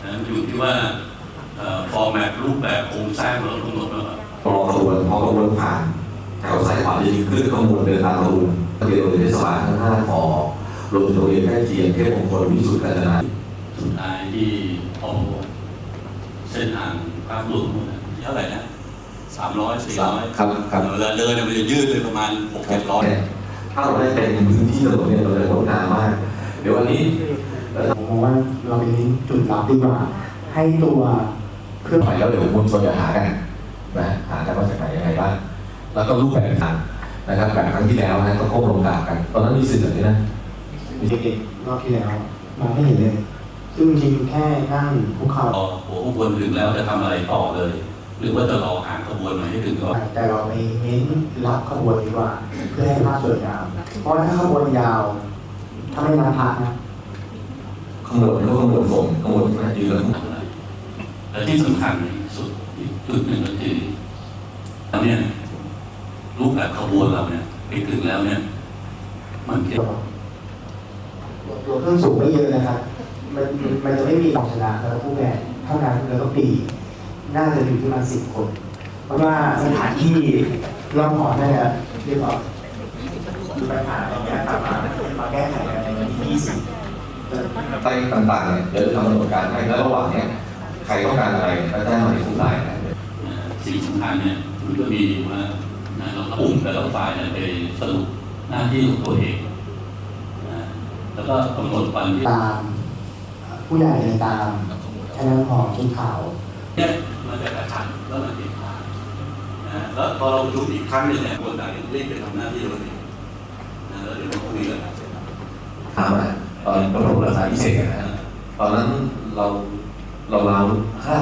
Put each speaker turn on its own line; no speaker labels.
นะอยู่ที่ว่าฟอร์แมตรูปแบบโครงสร้างเรากำหนดแล้ว
รอขบวนพอขบวนผ่านแถวซ้ายขวาจะยิงขึ้นขบวนเดินตามขบวนทะเบียนโรงเรียนเทศบาลทั้ง5 ขอรวมถึงโรงเรียนใกล้เคียงเทพมงคลวิสุทธิ์กาญจนา
สุดท้ายที่เอาเส้นทางภาพรวมเท่าไหร่นะ300-400
ครับ
เวลาเดินมันจะยืดเลยประมาณ600-700
ถ้าเราได้เป็นพื้นที่ถนนเนี่ยเราจะงดงามมากเดี๋ยววันนี้
ผมมองว่าเราเป็นจุดลับดีกว่าให้ตัวเครื่อง
หมายแล้วเดี๋ยวมวลชนจะหากันนะหากันว่าจากไหนยังไงบ้างแล้วก็รูปแบบต่างนะครับแบบครั้งที่แล้วนะก็ก้มลงกราบกันตอนนั้นมีสื่อแบบนี้นะ
เด็กๆรอบที่แล้วมาไม่เห็นเลยซึ่งจริงแค่นั่งคุกเข่า
หัวขบวนถึงแล้วจะทำอะไรต่อเลย หรือว่าจะรอหางขบวนมาให้ถึงก่อน
แต่เราไปเน้นรับขบวนดีกว่าเพื่อให้ภาพสวยงามเพราะถ้าขบวนยาวถ้าไม่นับพักนะ
ขบวนก็ขบวนส่งขบวนนะยืนแล้ว
และที่สำคัญสุดอีกจุดหนึ่งก็คือตอนนี้รูปแบบขบวนเราเนี่ยไปถึงแล้วเนี่ยมันเกี่ยว
ตัวเครื่องสูงไม่เยอะนะครับมันจะไม่มีของชนะแล้วผู้แข่งเท่านั้นแล้วก็ปีน่าจะอยู่ที่ประมาณ10 คนเพราะว่าสถานที่รอบหอนั่นแหละเรียกว่าปัญหาตรงนี้มาแก้ไขกันในวันที่20
ไปต่างๆเนี่ยเดี๋ยวจะทำกำหนดการให้แล้วระหว่างเนี่ยใครต้องการอะไรก็แจ้งมาในทุกรายนะ
สิ่งสำคัญเนี่ยมันก็มีว่าเรากลุ่มแต่ละฝ่ายไปสรุปหน้าที่ของตัวเองแล้วก็กำหนดวันที่
ตามผู้ใหญ่ตามคณะของชุดขาว
เนี่ยมันจะกระชันแล้วมันติดขาดแล้วพอเราประชุมอีกครั้งหนึ่งเนี่ยคนต่างรีบไปทำหน้าที่เราเองแล้วเดี๋ยวเราคุยกัน
ถามตอนประถมศึกษาพิเศษนะตอนนั้นเรา